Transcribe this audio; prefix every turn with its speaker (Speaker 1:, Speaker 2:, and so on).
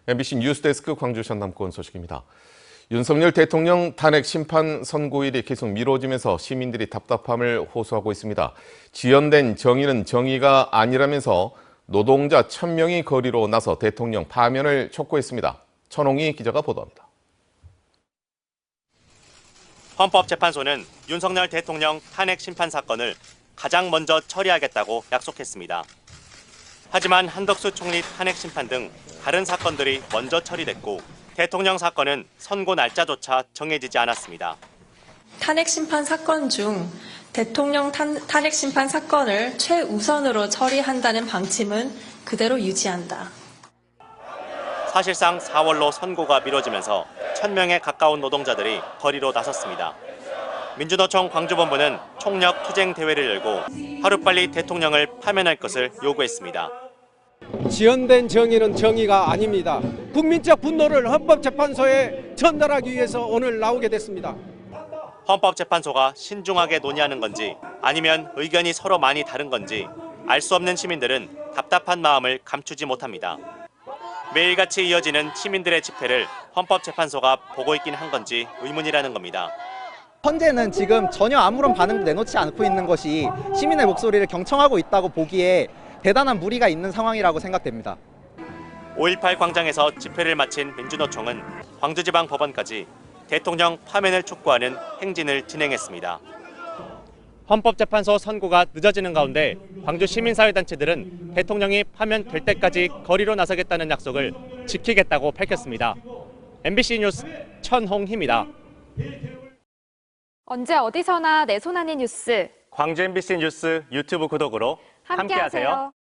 Speaker 1: MBC 뉴스데스크 광주 전남권 소식입니다. 윤석열 대통령 탄핵 심판 선고일이 계속 미뤄지면서 시민들이 답답함을 호소하고 있습니다. 지연된 정의는 정의가 아니라면서 노동자 1000명이 거리로 나서 대통령 파면을 촉구했습니다. 천홍희 기자가 보도합니다.
Speaker 2: 헌법재판소는 윤석열 대통령 탄핵 심판 사건을 가장 먼저 처리하겠다고 약속했습니다. 하지만 한덕수 총리 탄핵 심판 등 다른 사건들이 먼저 처리됐고 대통령 사건은 선고 날짜조차 정해지지 않았습니다.
Speaker 3: 탄핵 심판 사건 중 대통령 탄핵 심판 사건을 최우선으로 처리한다는 방침은 그대로 유지한다.
Speaker 2: 사실상 4월로 선고가 미뤄지면서 1000명에 가까운 노동자들이 거리로 나섰습니다. 민주노총 광주본부는 총력 투쟁 대회를 열고 하루빨리 대통령을 파면할 것을 요구했습니다.
Speaker 4: 지연된 정의는 정의가 아닙니다. 국민적 분노를 헌법재판소에 전달하기 위해서 오늘 나오게 됐습니다.
Speaker 2: 헌법재판소가 신중하게 논의하는 건지 아니면 의견이 서로 많이 다른 건지 알 수 없는 시민들은 답답한 마음을 감추지 못합니다. 매일같이 이어지는 시민들의 집회를 헌법재판소가 보고 있긴 한 건지 의문이라는 겁니다.
Speaker 5: 현재는 지금 전혀 아무런 반응도 내놓지 않고 있는 것이 시민의 목소리를 경청하고 있다고 보기에 대단한 무리가 있는 상황이라고 생각됩니다.
Speaker 2: 5.18 광장에서 집회를 마친 민주노총은 광주지방법원까지 대통령 파면을 촉구하는 행진을 진행했습니다. 헌법재판소 선고가 늦어지는 가운데 광주 시민사회단체들은 대통령이 파면될 때까지 거리로 나서겠다는 약속을 지키겠다고 밝혔습니다. MBC 뉴스 천홍희입니다.
Speaker 6: 언제 어디서나 내 손 안의 뉴스.
Speaker 2: 광주 MBC 뉴스 유튜브 구독으로 함께하세요.